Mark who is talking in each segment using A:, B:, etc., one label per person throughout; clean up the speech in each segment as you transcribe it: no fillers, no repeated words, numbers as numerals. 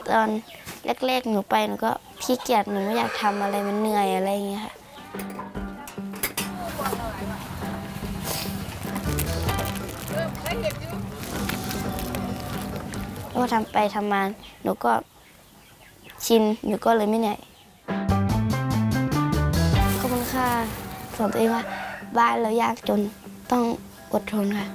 A: ตอนแรกๆหนูไปหนูก็ขี้เกียจหนูไม่อยากทำอะไรมันเหนื่อยอะไรอย่างเงี้ยค่ะแล้วก็ทำไปทำมาหนูก็ชินหนูก็เลยไม่เหนื่อยขอบคุณค่ะสอนตัวเองว่าบ้านเรายากจนต้องอดทนค่ะ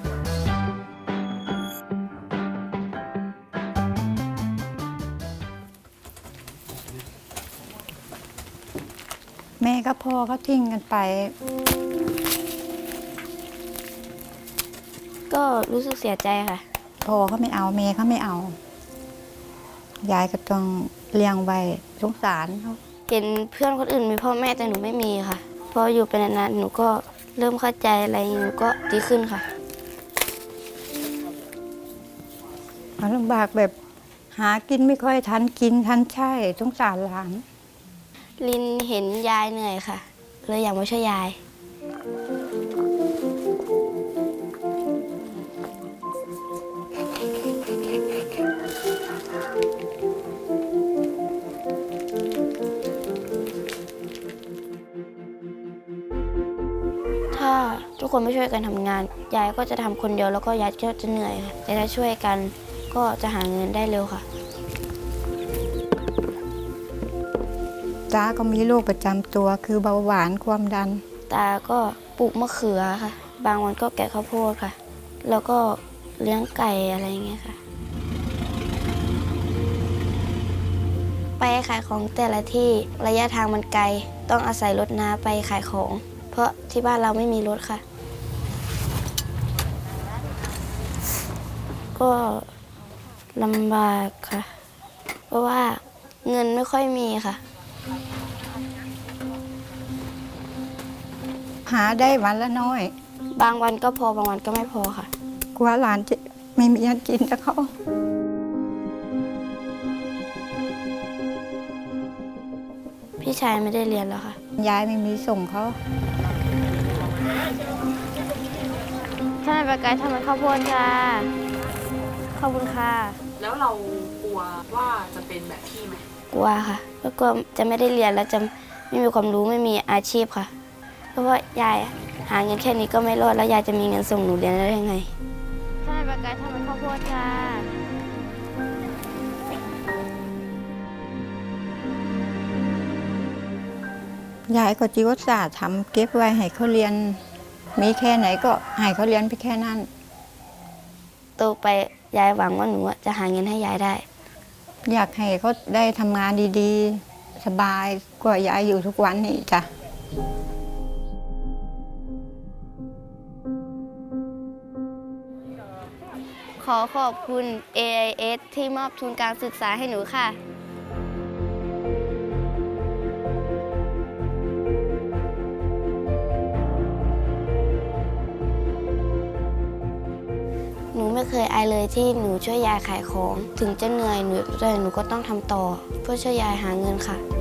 B: แม่กับพ่อเขาทิ้งกันไป
A: ก็รู้สึกเสียใจค่ะ
B: พ่อเขาไม่เอาแม่เขาไม่เอายายก็ต้องเลี้ยงไว้สงสารเขา
A: เห็นเพื่อนคนอื่นมีพ่อแม่แต่หนูไม่มีค่ะพออยู่ไปนานๆหนูก็เริ่มเข้าใจอะไรหนูก็ดีขึ้นค่ะ
B: ลำบากแบบหากินไม่ค่อยทันกินทันใช่สงสารหลาน
A: ลินเห็นยายเหนื่อยค่ะเลยอยากมาช่วยยายถ้าทุกคนไม่ช่วยกันทำงานยายก็จะทำคนเดียวแล้วก็ยายก็จะเหนื่อยค่ะแต่ถ้าช่วยกันก็จะหาเงินได้เร็วค่ะ
B: ตาก็มีโรคประจำตัวคือเบาหวานความดัน
A: ตาก็ปลูกมะเขือค่ะบางวันก็แกะข้าวโพดค่ะแล้วก็เลี้ยงไก่อะไรอย่างเงี้ยค่ะไปขายของแต่ละที่ระยะทางมันไกลต้องอาศัยรถน้าไปขายของเพราะที่บ้านเราไม่มีรถค่ะก็ลำบากค่ะเพราะว่าเงินไม่ค่อยมีค่ะ
B: หาได้วันละน้อย
A: บางวันก็พอบางวันก็ไม่พอค่ะ
B: กลัวหลานจะไม่มีอันกินแล้วเขา
A: พี่ชายไม่ได้เรียนแล้วค่ะ
B: ยายไม่มีส่งเขา
A: ท่านประกายทำไมข้าวโพดค่ะขอบคุณค่ะ
C: แล้วเรากลัวว่าจะเป็นแบบพี่ไหม
A: กลัวค่ะแล้วก็จะไม่ได้เรียนแล้วจะไม่มีความรู้ไม่มีอาชีพค่ะเพราะว่ายายหาเงินแค่นี้ก็ไม่รอดแล้วยายจะมีเงินส่งหนูเรียนได้ยังไงท่านประกายทำไมข้าวโพดค่ะ
B: ยายก็จิวศาสตร์ทำเก็บไว้ให้เขาเรียนมีแค่ไหนก็ให้เขาเรียนไปแค่นั้น
A: โตไปยายหวังว่าหนูจะหาเงินให้ยายได้
B: อยากให้เขาได้ทำงานดีๆสบายกว่ายายอยู่ทุกวันนี้จ้ะ
A: ขอขอบคุณ AIS ที่มอบทุนการศึกษาให้หนูค่ะหนูไม่เคยอายเลยที่หนูช่วยยายขายของถึงจะเหนื่อยหนูก็ต้องทำต่อเพื่อช่วยยายหาเงินค่ะ